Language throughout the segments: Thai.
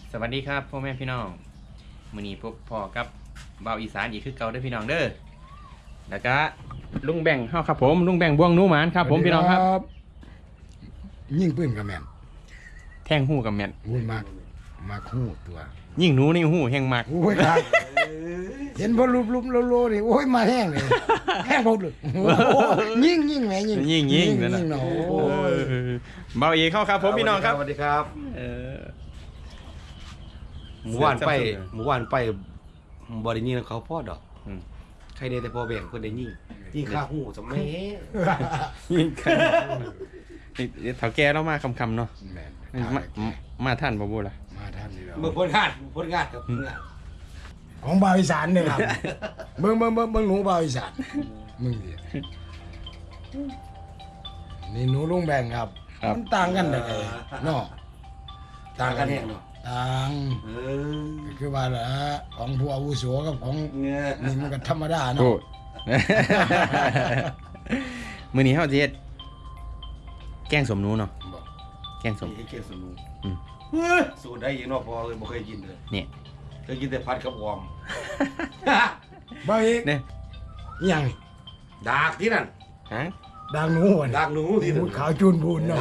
สวัสดีครับพ่อแม่พี่น้องมื้อนี้พบพ่อกับเบาอีสานอีกคือเก่าเด้อพี่น้องเด้อแล้วก็ลุงแบ่งเฮาครับผมลุงแบ่งบวงหนูหมานครับผมพี่น้องครับยิ่งปื้มกับแม่นแทงหูกับแม่นพูดมากหูตัวยิ่งหนูนี่หูแห้งมากโอ้ยครับเห็นพอลุบโลนี่โอ้ยมาแห้งเลยแห้งพอเลยยิ่งแม่ยิ่งยิ่งนั่นน่ะเนาะเบาอีเข้าครับผมพี่น้องครับสวัสดีครับเออหมู่บ้านไปบ่ได้ยินเขาพ่อดอกอืมใครได้แต่พอแบ่งคนได้ยิ่งข้าหูสมัยยิ่งกันนี่เฒ่าแก่เรามาคำๆเนาะแม่นมาท่านบ่บูล่ะมาท่านนี่แล้วเมื่อพ้นงานครับพ้นงานของบ่าวอีสานเนี่ยครับเบิ่งหนูบ่าวอีสานมึงดินี่หนูลุงแบ่งครับมันต่างกันได้ไงเนาะต่างกันแห้งเนาะต่าง ก็คือว่าละของผู้อาวุโสกับของเงี้ยนี่มันก็ธรรมดาโอ้เนาะมื้อนี้เฮาสิเฮ็ดแกงสมหนูเนาะบอกแกงสมไอ้เกี่ยวสนุอืมสูตรได้ยังเนาะพอเลยบ่เคยกินเลยนี่เคยกินแต่ผัดกับวอมบ่อีกเนี่ยอิหยังดากที่นั่นฮะดังหนูหัวดากหนูที่นั่นขาวจูนพูนเนาะ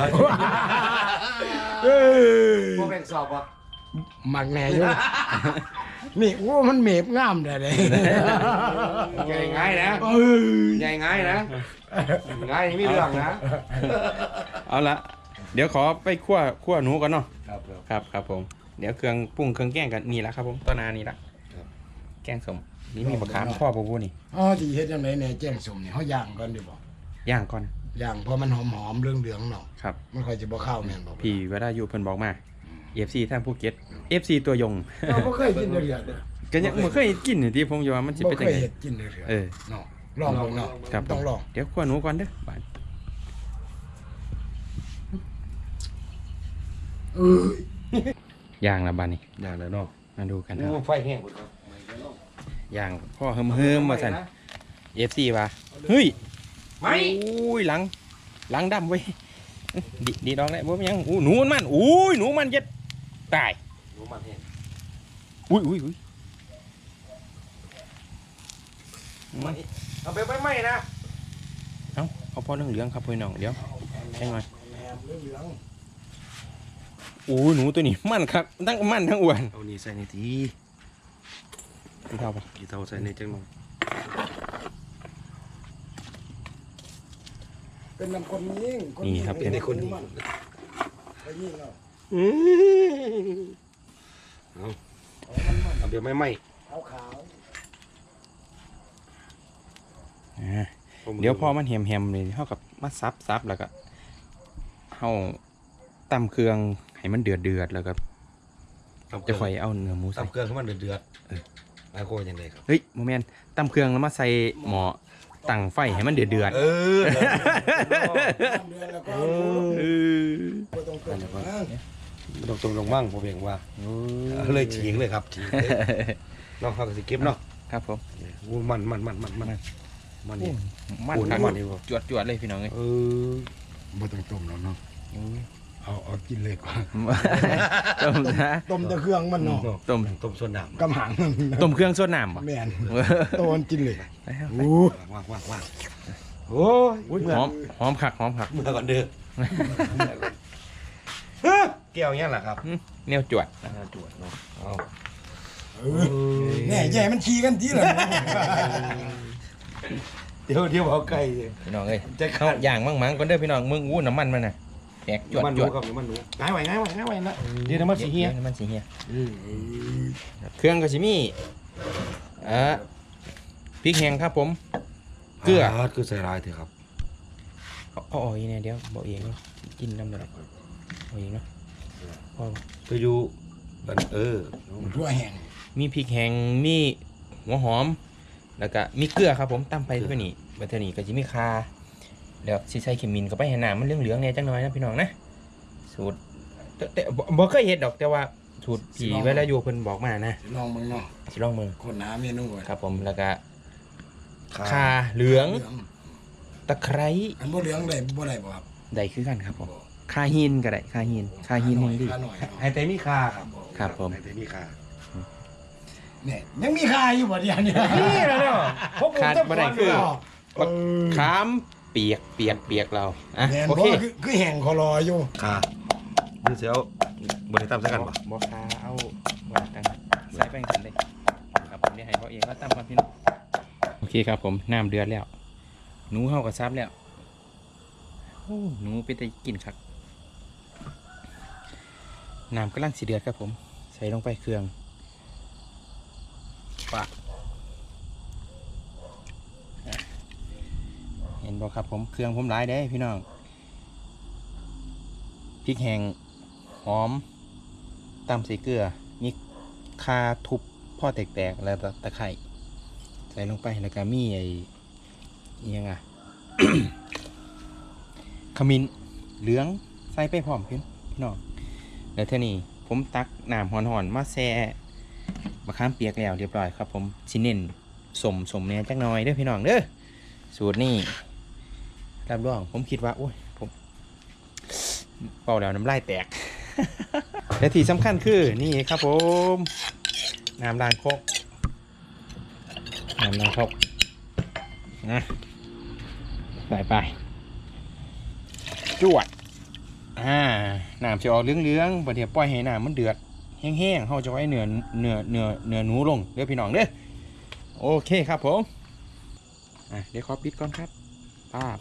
พอแบ่งสอบอ่ะหมักแหน่อยู่ นี่โอ้มันเมบงามได้เลยใหญ่ง่ายนะเอ้ยใหญ่ง่ายนะง่ายไม่มีเรื่องนะเอาละเดี๋ยวขอไปคั่วหนูก่อนเนาะครับครับผมเดี๋ยวเครื่องปรุงเครื่องแกงกันนี่ละครับผมต้นนานี่ละครับแกงสมนี่มีมะขามพ่อปูปูนี่อ๋อสิเฮ็ดจังได๋แหน่แจ้งสมนี่เฮาย่างก่อนดีบ่ย่างก่อนย่างเพราะมันหอมๆเหลืองๆเนาะครับมันค่อยสิบ่ข้าวแม่นบ่พี่วรายุเพิ่นบอกมา FC ท่านภูเก็ต FC ตัวยงเราบ่เคยกินเดือดก็ยังบ่เคยกินนี่ที่ผมอยู่ว่ามันสิบ่เป็นเคจังยได๋เฮ็ดกินเดือดเออเนาะลองเบิ่งเนาะครับต้องลองเดี๋ยวคั่วหนูก่อนเด้อบ้านเอ้ยย่างละบ้านนี่อย่างเลยเนาะมาดูกันครับไฟแห้งหมดครับย่างพ่อเฮิมๆว่าซั่น FC ว่าเฮ้ยไม่อุ้ยหลังดำเว้ยดีดอกแล้วบ่มีหยังอู้หนูมันอุ้ยหนูมันเย็ดตายหนูมันแห้งอุ้ยไม่เอาไปไม่นะเอาพอเหลืองๆครับพี่น้องเดี๋ยวแห้งหน่อยแหนมเหลืองโอ้ยหนูตัวนี้มันครับทั้งมันทั้งอ้วนเอานี่ใส่ในทีพี่เท่าปะกี่เท่าใส่ในจังหน่อยเป็นน้ำคนยิ่งนี่ครับเป็นในคนนี้ไปยิ่งเนาะเอาเดี๋ยวไม่ขาวอ่าเดี๋ยวพอมันแหมๆเลยเท่ากับมาซับแล้วก็เฮาตำเครื่องให้มันเดือดแล้วก็จะค่อยเอาเนื้อหมูใส่ตำเครื่องให้มันเดือดไอ้โคยังไงครับเฮ้ยโมเมนต์ตำเครื่องแล้วมาใส่หม้อตั้งไฟให้มันเดือดเออๆเดือนแล้วก็ บ่ต้องเกินนะตรงบ้างผมเพียงว่าเลยฉีกเลยครับฉีกน้องเขาก็สิเก็บเนาะครับผมมันนี่มันปูนครับมันนี่บ่จวดเลยพี่น้องเอ้ยบ่ต้องต้มแล้วเนาะเอากินเลยก่อนต้มซะต้มแต่เครื่องมันเนาะต้มส่วนน้กำหังต้มเครื่องสดน้ำป่ะแม่นต้มกินเลยำว่างโอ้ยหอมคักเมื่อก่อนเด้อแก้วเงี้ยแหละครับแนวจวดจวดเนาะเอาแน่ใหญ่มันขี้กันทีละเดี๋ยวเอาไก่พี่น้องเอ้ยจะเข้าอย่างมั่งก่อนเด้อพี่น้องมึงอู้น้ำมันมันน่ะแตกจวดมันจรู้วดครับมันรู้ง่ายไว้นะเดี๋ยวน้ำมันสีเฮียน้ำมันสีเฮียเครื่องก็สิมีพริกแห้งครับผม เกลือคือใส่ลายเถอะครับเอาอีกเนี่ยเดี๋ยวบอกเองเนาะกินน้ำเลยเอาเองเนาะพอไปอยู่ทั่วแห้งมีพริกแห้งมีหัวหอม แล้วก็มีเกลือครับผมตั้มไปเพื่อนี่บัตรนี่ก็จะมีคาแล้วสิใส่เขมินก็ไปให้น้ำมันเหลืองๆเนี่ยจังหน่อยนะพี่น้องนะสูตรแต่บ่เคยเห็ดดอกแต่ว่าสูตรผีเวลาอยู่เพิ่นบอกมานะลองมึงเนาะสิลองมือคนหาเมนูครับผมแล้วก็คาเหลืองตะไคร้อันบ่เหลืองได้บ่ได้บ่ครับใดคือกันครับผมคาหินก็ได้คาหินแห่งดีหน่อยไอ้แต่มีคาครับครับผมแต่มีค่าเนี่ยยังมีค่าอยู่บ่เดียวนี่นี่แหละเนาะพวกผมขาดจะบ่ได้คือเออขามเปียกเราอ่ะแม่นโอบ่เคคือแห่งคอรออยู่ค่าคือเสียวบริตามสักกันปะบ่คาเอาบ่ตั้งใส่ไปกันเลยครับผมได้ให้เขาเองก็ตั้งความพี่น้องโอเคครับผมน้ำเดือดแล้วหนูเฮาก็ซับแล้วโอ้หนูเป็นแต่กินครับน้ำกำลังสิเดือดครับผมใส่ลงไปเครื่องปะเห็นบ่ครับผมเครื่องผมหลายเด้พี่น้องพริกแห้งหอมตำใส่เกลือมีคาทุบพ่อแตกๆแล้วตะไคร้ใส่ลงไปแล้วก็มีไอ้อิหยังอ่ะ ขมิ้นเหลืองใส่ไปพร้อมพี่น้องแล้วเท่านี้ผมตักน้ำหอนๆมาแซ่มะขามเปียกแล้วเรียบร้อยครับผมสิเน้นสมเนี่ยจักหน่อยเด้อพี่น้องเด้อสูตรนี้รับรองผมคิดว่าโอ้ยผมเป่าแล้วน้ำลายแตก และที่สำคัญคือนี่ครับผมน้ำล้างครกนะไปจวดน้ำจะออกเหลืองๆบัดเดี๋ยวปล่อยให้น้ำมันเดือดแห้งๆเขาจะไว้เนื้อหนูลงเด้อพี่น้องเด้อโอเคครับผมเดี๋ยวขอปิดก่อนครับป้าบ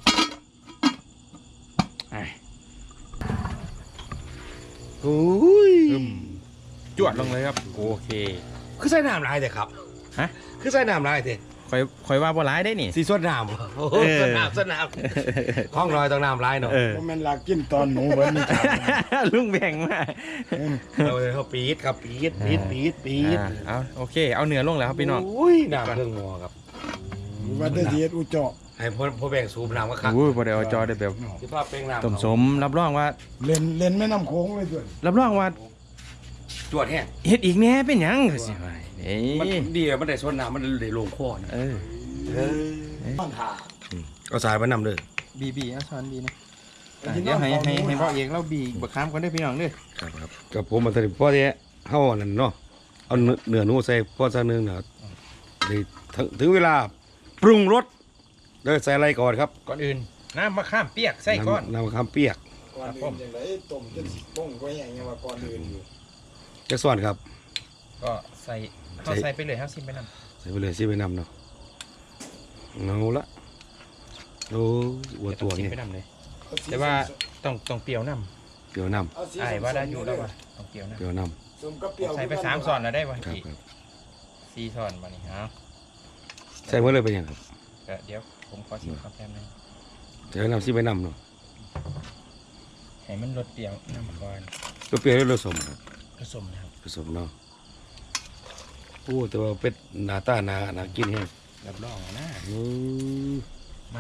โอ้ยจวดลงเลยครับโอเคคือใส่น้ำลายแต่ครับฮะคือใส่น้ำลายแต่คอยว่าบ่ร้ายได้นี่สีสดน้ำโอ้โหสดน้ำข้องรอยต้องน้ำลายเนาะบ่แม่นลากินตอนหนูเบิ่นี่ครับลุงแบ่งมาเขาปี๊ดครับปี๊ดเอาโอเคเอาเนื้อลงแล้วครับพี่น้องอุ้ยน้ำเครื่องหม้อครับว่าได้เฮ็ดอุจจาให้พ่อแบ่งสูบน้ำก็คักอุ้ยบ่ได้เอาจอได้แบบที่พ่อเป็นน้ำต้มสมรับรองว่าเล่นแม่น้ำโขงเลยด้วยรับรองว่าจวดแห้งเฮ็ดอีกแหน่เป็นหยังก็สิว่าเอ้มันยดีอะมันได้สดน้ำมันได้ลงคอนะบ้านทาเอาสายมานำเลยบีเอาช้อนบีนะเดี๋ยวให้พ่อเอกเราบีบักขามก่อนเด้อพี่น้องเด้อครับกับผมมาสนิทพ่อที่เฮานั่นเนาะเอาเนื้อหนูใส่พ่อซะนึงเนาะถึงเวลาปรุงรสโดยใส่อะไรก่อนครับก่อนอื่นน้ำมะขามเปียกใส่ก่อนน้ำมะขามเปียกก่อนอื่นจังไดต้มจนสิป้งก็อย่างเงี้ยว่าก่อนอื่นอยู่จักส่วนครับก็ใส่ไปเลยครับซิมไปนำใส่ไปเลยสิไปนำเนาะเอาละโอ้วัวตัวซิมนี้ไปนำเลยแต่ว่าต้องเปรี้ยวนเปรี้ยวน้ำไอ้ว่าได้อยู่แล้วว่าต้องเปรี้ยวำนำเปรี้ยวน้สมกับเปรี้ยวใส่ไป3ช้อนแล้วได้บ่ำครับกี่ครับ 4ช้อนบัดนี้เอาใส่เมื่อเลยไปยังครับเดี๋ยวผมขอชิมครับแป๊บนึงใส่น้ำสิไปนำเนาะให้มันรสเปรี้ยวน้ำก่อนตัวเปรี้ยวแล้วผสมครับผสมนะครับผสมเนาะโอ้แต่ว่าเป็ดหน้าตาหนากินแห้งรับรองนะ มา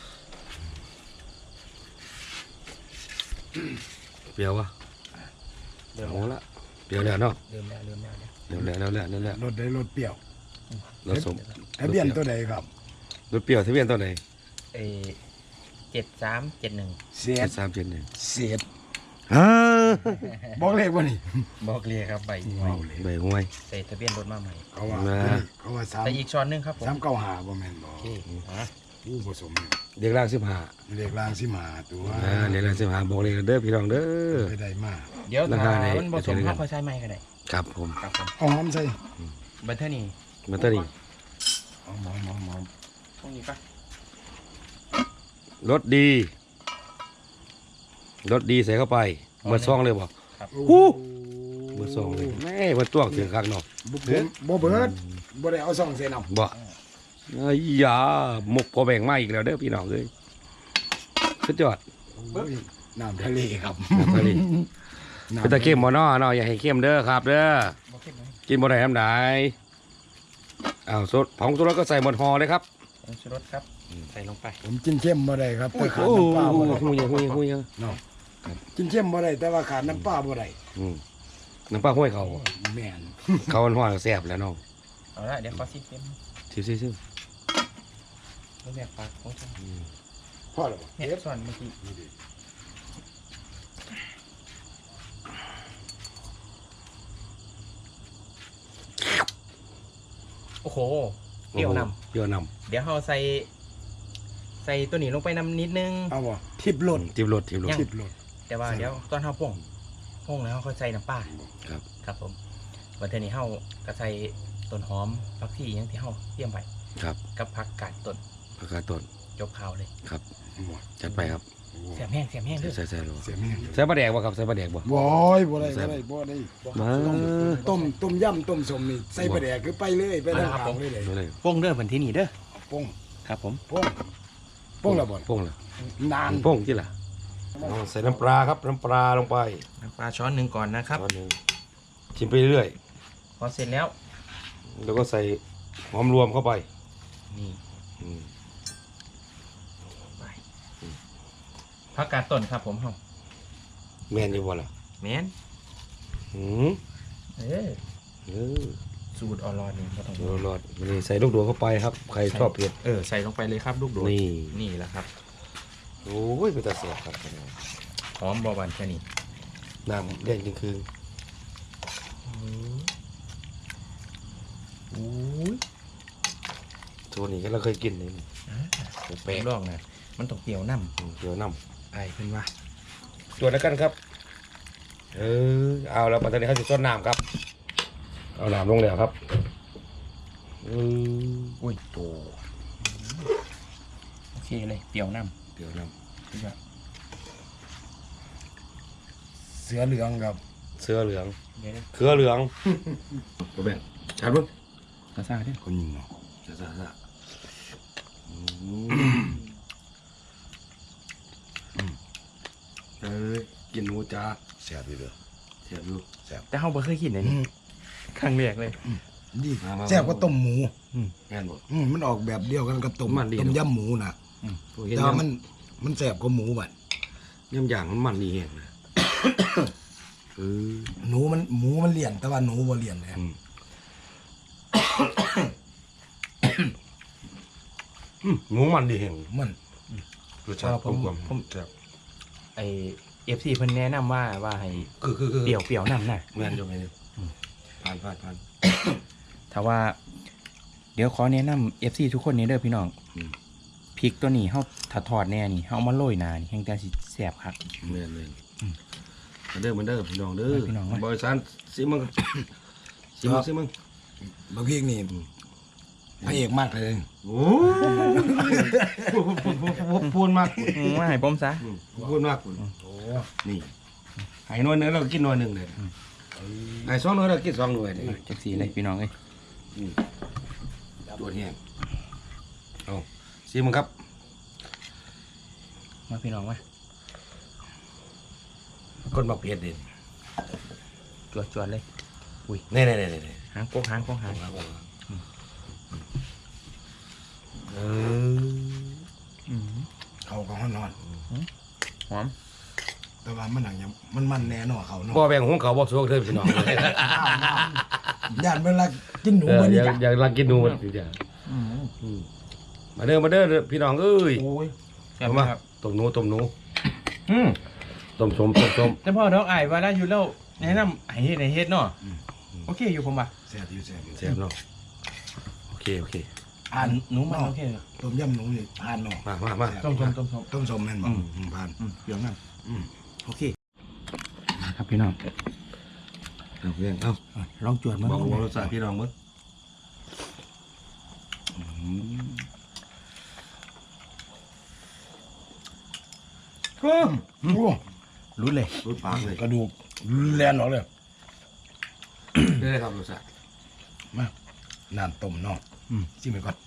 เปรี้ยววะเริ่มเอาละเปรี้ยวแล้วเนาะเริ่มแล้วเริ่มแล้วรสได้รสเปรี้ยวรสสมทะเบียนตัวใดครับรสเปรี้ยวทะเบียนตัวไหน 7371 เสียด 7371 เสียดฮ่าบอกเลขว่านี่บอกเลยครับใบหวยใบห้วยใส่ทะเบียนรถมาใหม่เขาว่ามาเขาว่า3 แต่อีกช้อนหนึงครับผม 395บ่แม่นบ่โอเคฮะผู้ผสมเด็กล่าง15 เลขล่างสิมาตัวเด็กล่าง15บอกเลยเด้อพี่น้องเด้อไปได้มาเดี๋ยวราถ้าคาไหนมันผสมข้าวค่อยใช้ไม้ก็ได้ครับผมครับผมเอาหอมใส่บันเทอร์นี่มาตอนี้หอมตรงนี้ปะรสดีใส่เข้าไปเมื่อซองเลยบ่โอ้เมื่อซองเลยแม่มันต้วงถึงข้างนอกบ่เบิดบ่ได้เอาซองใส่น้ำบ่ไอ้ยาหมกพอแบ่งมาอีกแล้วเด้อพี่น้องเอ้ยสุดยอดโอ้ยน้ำทะเลครับน้ำทะเลน้ำเป็นตะเข้มบ่เนาะเนาะอย่าให้เข้มเด้อครับเด้อบอกเข้มไหมกินบ่ได้ทำได้อ้าวสดผงชูรสก็ใส่หมดห่อเลยครับผงชูรสครับใส่ลงไปผมกินเข้มบ่ได้ครับแต่ขาดโอ้น้ำปลาบ่ได้หูยเนาะกินเข้มบ่ได้แต่ว่าขาดน้ำปลาบ่ได้น้ำปลาห้วยเขาแม่นเขาห่อแซ่บแล้วน้องเอาละเดี๋ยวขอซิมเต็มซิมไม่แบกปากของฉันพอแล้วบ่เนี่ยส่วนเมื่อกี้โอ้โหเปรี้ยวนเปรี้ยวนำเดี๋ยวเราใส่ตัวนี้ลงไปนำนิดนึงเอาบ่ทิพย์หล่นำทิบรสทิบรสยังทิพย์หล่นแต่ว่าเดี๋ยวตอนเราพ่งแล้วเขาใส่น้ำปลาครับครับผมวันเทอนี้เราก็ใส่ต้นหอมผักชีอย่างที่เราเตรียมไว้ครับกับผักกาดต้นผักกาดต้นจบข่าวเลยครับจัดไปครับเสียบแห้งเด้อใส่เลยเสียแม่งใส่ปลาแดกบ่ครับใส่ปลาแดกบ่บ่อยบ่ได้บ่ได้บ่ได้มาต้มยำต้มสมนี่ใส่ปลาแดกคือไปเลยไปทางทางเลยเลยดูเลยโป้งเด้อวันที่นี่เด้อป้งครับผมป้งป้งละบ่โป้งละนานโป้งที่ล่ะใส่น้ำปลาครับน้ำปลาลงไปน้ำปลาช้อนหนึ่งก่อนนะครับช้อนหนึงชิมไปเรื่อยพอเสร็จแล้วแล้วก็ใส่หอมรวมเข้าไปนี่อืมไปผักกาดต้นครับผมเฮาแม่นอยู่บ่ล่ะแมนอืมเออเออสูตรอร่อยนี่ก็ต้องรอดๆนี่ใส่ลูกดวงเข้าไปครับใครชอบเผ็ดใส่ลงไปเลยครับลูกโดดนี่นี่แหละครับโอ้ยเป็นตาเสียบครับหอมบอวันแค่นี้น้ำแดงจริงคืออู้ยตัวนี้ก็เราเคยกินเลยแปลกลองนะมันต้องเกี่ยวน้เดี๋ยวน้ำไอ้เพิ่นว่าำตัวแล้วกันครับเอาแล้วปัตตานีเขาจะต้นน้ำครับ เอาน้ำลงแล้วครับอุ้ยโตโอเคเลยเปรี้ยวน้เดี๋ยวน้ำเสือเหลืองครับำเสื้อเหลืองเดี๋ยวเครือเหลืองโอเบนชัดมั้งกระซ่าเด้อคนยิงเนาะชัดชัดชัดกินหนูจ้าแซ่บอยู่เด้อเสียบอยู่แต่เฮาบ่เคยกินเลยนี่ครั้งแรกเลยดีมาแซ่บกว่าต้มหมูแม่นบ่มันออกแบบเดียวกันกับต้มมันดีต้มยำหมูน่ะเห็นแต่ว่ามันแซ่บกว่าหมูบัดย่ำอย่างมันดีแห้งนะเออหมูมันเลี่ยนแต่ว่าหนูบ่เลี่ยนเลยหมูมันดีแห้งมันรสชาติผมแซ่บไอ้ FC เพิ่นแนะนำว่าให้คือเปรี้ยวน้ำน่ะแม่นอยู่ไหมเนี่ยผ่านถ้าว่า เดี๋ยวขอแนะนำ FC ทุกคนนี้เด้อพี่น้องอืมพริกตัวนี้เฮาถ้าทอดแน่นี่เฮาเอามาโรยหน้านี่แห่งแต่สิแซ่บคักแม่นเลยมาเด้อพี่น้องเด้อพี่น้องมาบริษัทสิมึงสิมึงบางทีนี่พระเอกมากเลยโอ้พูดมากว่าให้ผมซะพูดมากโอ้นี่ไอ้หน่วยนึงเรากินหน่วยหนึ่งเลยไอ้สองหน่วยเรากินสองหน่วยเลยจักสีเลยพี่น้องเอ้ยตัวนี้เอาสิมึงครับมาพี่น้องมาคนบักเผ็ดเด่นจวดๆเลยนี่หางโกงหางเออเขาก็ฮ้อนหอมแต่ว่ามันหนังยังมันแน่นอนเขาเนาะบ่แบ่งของเขาบ่สวกเด้อพี่น้องญาติเวลากินหนูมันนี่จ้ะอยากรักกินหนูมันจ้ะมาเด้อพี่น้องเอ้ยโอ้ยแซ่บเอามามาต้มหนูต้มสมแต่พ่อดอกอ้ายว่าได้อยู่แล้วแนะนำให้เฮ็ดเนาะโอเคอยู่ผมว่าแซ่บอยู่แซ่บเนาะโอเคผ่านหนูมันโอเคต้มยำหนูนี่ผ่านเนาะมาต้มต้มสมแม่นบ่ผ่านเดี๋ยวนั่นโอเคครับพี่น้องเอาเพียงเอาลองจวดมาบอกรสชาติพี่น้องมึงโอ้โหรู้เลยรู้ปากเลยกระดูกแลนออกเลยได้ครับรสชาติมาน้ำต้มเนาะชิมไปก่อน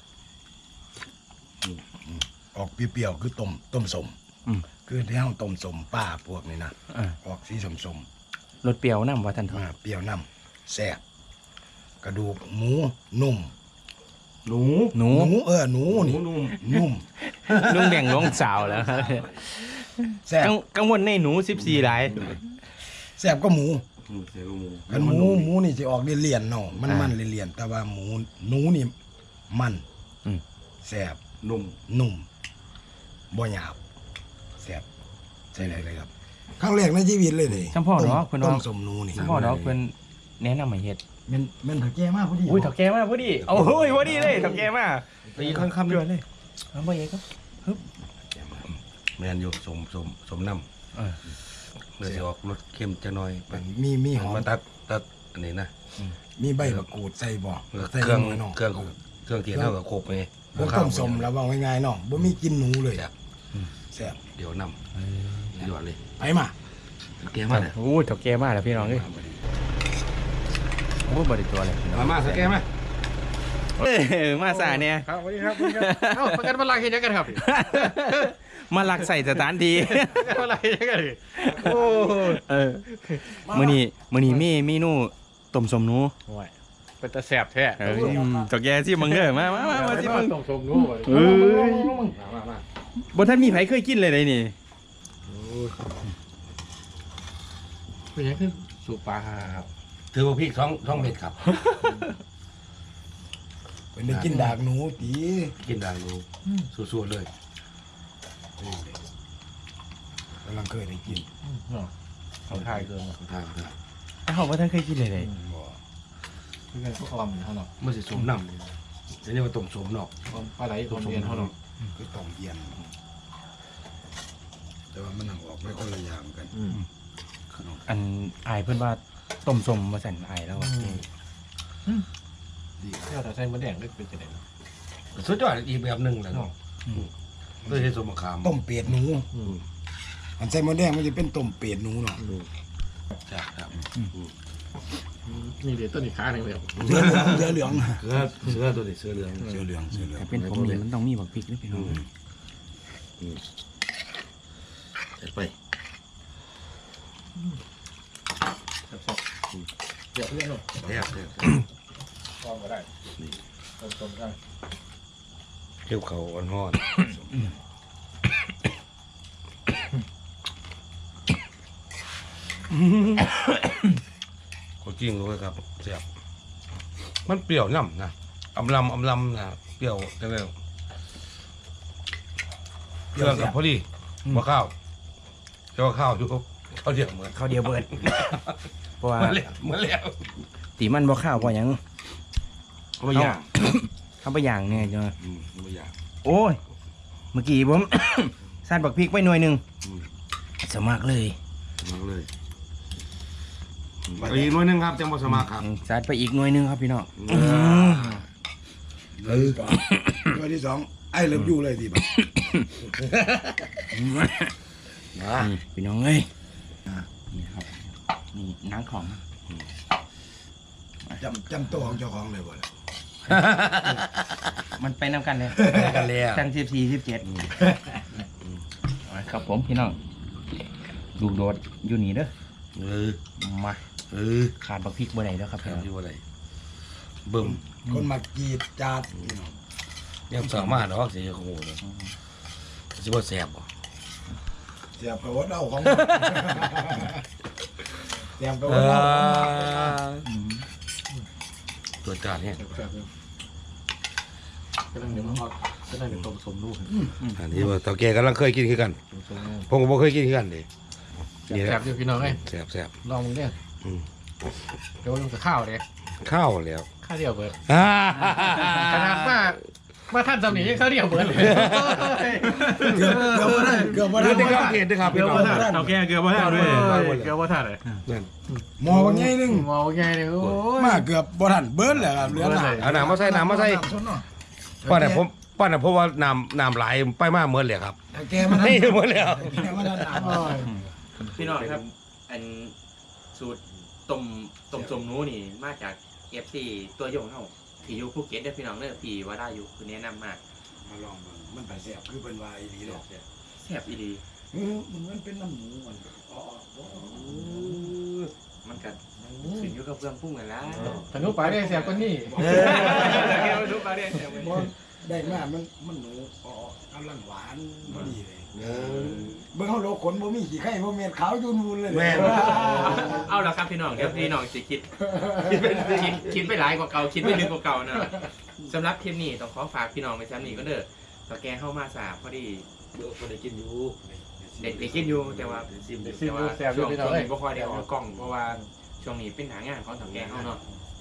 ออกเปรี้ยวๆคือต้มสมคือที่เฮาต้มสมป้าพวกนี้นะออกสีสมรสเปรี้ยวน้ำว่าท่านทอเปรี้ยวน้ำแซ่บกระดูกหมูนุ่มหนูหนูหนูนี่นุ่มนุ่มลุงแบ่งลงสาวแล้วครับแซ่บกังวลในหนู14หลายแซ่บก็หมูเสียลูกหมูกันหมูนี่จะออกเลี่ยนๆเนาะมันเลี่ยนๆแต่ว่าหนูนี่มันแซ่บนุ่มนุ่มบ่หยาบแซ่บใช่เลยครับครั้งแรกในชีวิตเลยนี่ช่างพ่อเนาะเพิ่นต้ว่ามสมหนูนี่ช่างพ่อเนาะเพิ่นแนะนำให้เฮ็ดมันถักแก่มากพอดีอุ้ยถักแกมากพอดีโอ้ยพอดีเลยถักแกมากตีข้างคำเดืด้อวยดเลยเอาไปเองครับแมนอยู่สมน้ำเดี๋ยวจะออกรสเค็มจะน้อยไปมีหอมมาตัดอันนี้นะมีใบมะกรูดใส่บ่ใส่เครื่องหน่อยเนาะเครื่องเทียนเท่ากับโคกไปพวกต้มสมแล้วว่าง่ายๆเนาะบ่มีกินหนูเลยแซ่บเดี๋ยวน้ำเดี๋ยวเลยไปมาเกมมาเลยโอ้ยถักแกมากแล้วพี่น้องเอ้ยโอ้บริตัวเลยมาสแกมไหมมาสาเนี่ยครับสวัสดีครับเอ้าประกันมาลังเห็นยังกันครับมาลักใส่สถานที่ประกันมาลังเห็นยังกันโอ้มื้อนี้มีเมนูต้มสมหนูโอ้ยเป็นตาแสบแท้ถักแกสิมึงเด้อมาสิมึงต้องชมนู้นมาบ่ทันมีไผเคยกินเลยเลยนี่เป็นยังคือสูบปลาครับถือว่าพี่ท้องเม็ดครับเป็นได้กินดากหนูตีกินได้ดูสู้ๆเลยกำลังเคยได้กินเขาถ่ายเกินทางเขาบ่ทันเคยกินเลยเลยบ่คือไงก็คอมเขาเนาะเมื่อสิสมน้ำเดี๋ยวนี้มาต้มสมเนาะปลาไหลตัวเรียนเขาเนาะคือต้มเย็นแต่ว่ามันออกไม่คนละอย่างกันอันอายเพิ่นว่าต้มสมมาสั่นอายแล้วอะดีเที่ยวแต่ใส่มะแดงได้เป็นจะได้เนาะสุดยอดอีกแบบหนึ่งเลยเนาะด้วยใช้สมมะขามต้มเป็ดหนูอันใส่หมดแดงมันจะเป็นต้มเป็ดหนูเนาะครับนี่เดี๋ยวต้นอีกขาหนึ่งเลยเสือเหลืองเสือตัวนี้เสือเหลืองเสือเหลืองแต่เป็นผมนี่มันต้องมีบักพริกด้วยพี่น้องเสร็จไปเดี๋ยวเพื่อนเนาะแซ่บคอมก็ได้ต้มได้เกี่ยวเขาอ่อนห่อนก็จริงเลยครับแซ่บมันเปรี้ยวย่ำนะอำลำนะเปรี้ยวจังเลยเครื่องกับพอดีมะข้าวเจ้าข้าวอยู่ข้าวเดียวเหมือนข้าวเดียวเบิดเพราะว่าเหมือนแล้วตีมันบ่ข้าวบ่หยังไม่ยากข้าวบ่อย่างเนี่ยจ้ะไม่ยากโอ้ยเมื่อกี้ผม สั่นบักพริกไว้หน่วยหนึงสมัครเลยมาเลยอีกหน่วยหนึงครับจังหวัดสมาครับสั่นไปอีกหน่วยหนึงครับพี่น้องตัวที่สองไอ้เลิฟยูเลยทีแบบนี่พี่น้องเอ้ยนี่ครับนี่หนังของจำตัวของเจ้าของเลยบ่ล่ะมันไปนำกันเลยกันแล้วตั้ง14 17ครับผมพี่น้องลูกโดดอยู่นี่เด้อ มา ขาดบักพริกบ่ได้แล้วครับแถพี่วน้องอยู่อะไรบึ้มคนมากรีดจาดยังสามารถเนาะสิโอ้โหสิบ่แซ่บบ่เสียบไปวัดเอาของเสียบไปวัดเอาตัวจานเนี่ยก็นั่งเดี๋ยวมันก็นั่งเดี๋ยวต้มสมนู้นอันนี้ว่าเต่าแก่กำลังเคยกินคือกันต้มสมนู้นผมก็บ่เคยกินคือกันเด้แสบอยู่พี่น้องเอ้ยแซ่บลองมึงเนี่ยเดี๋ยวลงกับข้าวเนี่ยข้าวแล้วข้าวเดียวเบิร์ดขนาดมาท่านสำนียังข้าวเดียวเบิร์ดเลยเกือบบ่ได้เกือบบ่ได้เดี๋ยวข้าวเกลียดด้วยครับพี่น้องเอาแก่เกลือบ่ทันด้วยเกือบว่าท่านเลยนั่นหมอบางไงนึงมองไงเนี่ยโอ้ยมาเกือบบ่ทันเบิ้ลเลยครับเหลือหนาเอาน้ำมาใส่ป้าเนี่ยเพราะว่าน้ำไหลไปมากเหมือนเลยครับแกมาทันนี่เหมือนแล้วแกมาทันโอ้ยพี่น้องครับ อันสูตรต้มสมหนูนี่มาจาก FC ตัวยงเฮาที่อยู่ภูเก็ตเด้อพี่น้องเด้อพี่ว่าได้อยู่คือแนะนำมากมาลองเบิ่งมันไปแซ่บคือเป็นวายดีดอกแซ่บอีหลีมันเป็นน้ำหมูมันอ๋อมันก็ขึ้นอยู่กับเครื่องปรุงนั่นล่ะถ้าหนูไปได้แสบกว่านี้ทุกประเด็นบ่ได้มามันหนูอ๋อกำลังหวานพอดีเลยเบิ่งเฮาโลขนบ่มีขี้ไข่บ่เม็ดขาวจุนมูลเลยเอาละครับพี่น้องเดี๋ยวพี่น้องสิคิดไปหลายกว่าเก่าคิดไปลึกกว่าเก่านะสำหรับคลิปนี้ต้องขอฝากพี่น้องไปซ้ำนี้ก็เด้อตะแกเข้ามาสาพอดีคนได้กินอยู่เด็กกินอยู่แต่ว่าซิมแต่ว่าแสบอช่ยู่วงพี่น้องนี้เอ้ยบ่ค่อยได้ออกกล้องเพราะว่าช่วงนี้เป็นหางานของตะแกเข้าเนาะ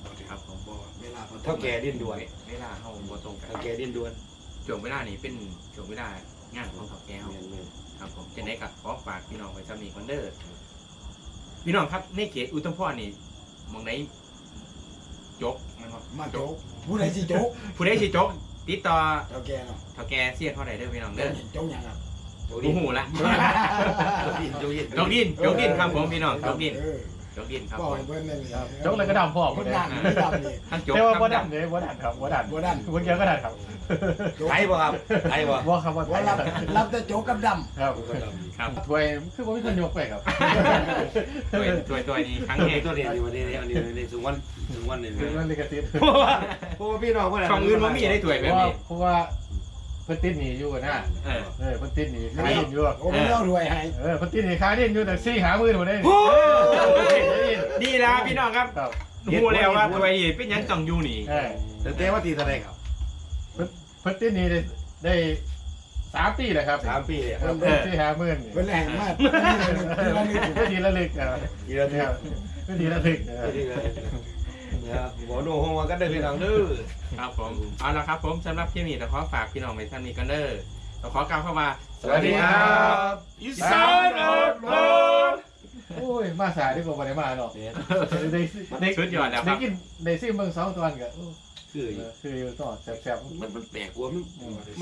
ครับผมเวลาเท่าแก่ดิ้นด่วนเวลาเฮาบ่ตรงกันเท่าแก่ดิ้นด่วนช่วงเวลานี้เป็นช่วงเวลางานของเฒ่าแก่เฮาครับผมจะได้กับขอฝากพี่น้องไว้ซ้ำนี้ก่อนเด้อพี่น้องครับในเขตอุทุมพรนี่หมองไหนจกมันบ่มาโจ๊กผู้ใดสิโจ๊กผู้ใดสิจกติดต่อเจ้าแกเนาะเฒ่าแก่เสียเท่าใดเด้อพี่น้องเด้อโจ๊กยังครับบ่ฮู้ละ จกดินครับผมพี่น้องจกดินเออจกดินครับปล่ผอยมเพิ่นนั่นเลยจกเลยก็ดำพร้อมคนเลยดันไม่ดันเลยทั้งจกแต่ว่าบ่ทั้ดังนเลยบ่ดันครับบ่ดันบ่ดันคนเดียวก็ดันครับไทยบ่ครับไทยบ่บ่ครับว่าว่ารับแต่โจ๊กกับดครับครับถ้วยคือบ่มีคนยกไปครับตัวนี้ครั้งตัวแรนี้กตัวนี้อันนี้อันนี้ถึงวันนี่คือมันลิขสิทธิ์เพราะว่าพี่น้องเพิ่นช่องอื่นบ่มีได้ถ้วยแบบนี้เพราะว่าเพิ่นติดหนีอยู่นะเออเพิ่นติดหนีขายดินอยู่ำโอ้ไม่ต้องรวยให้เพิ่นติดหนีขายดินอยู่แต่ซี่หามือหมดได้ดีแล้วพี่น้องครับครับรู้แล้วว่าตัวนี้เป็นหยังต้องอยู่นี่แต่ว่าตีเท่าไหร่ครับเพิ่นติดหนีได้3 ปีแล้วครับ 3 ปีเนี่ยซี่หามือเป็นแรงมากนี่เลยทีละลึกกี่นาทีทีละลึกเนี่ยหัวโนห้องว่ากันได้พี่น้องเด้อครับผมเอาละครับผมสำหรับคลิปนี้เราขอฝากพี่น้องไว้ท่านนี้กันเด้อเราขอกล่าวเข้ามาสวัสดีครับอีสานอดรนโอ้ยมาสายดีกว่าบ่ได้มาเนาะได้สุดยอดแล้วคได้รับกินได้ซิมเบิ่ง2 ตอนก็คือคืออยู่ต่อแซ่บๆมันแปลกกว่ามัน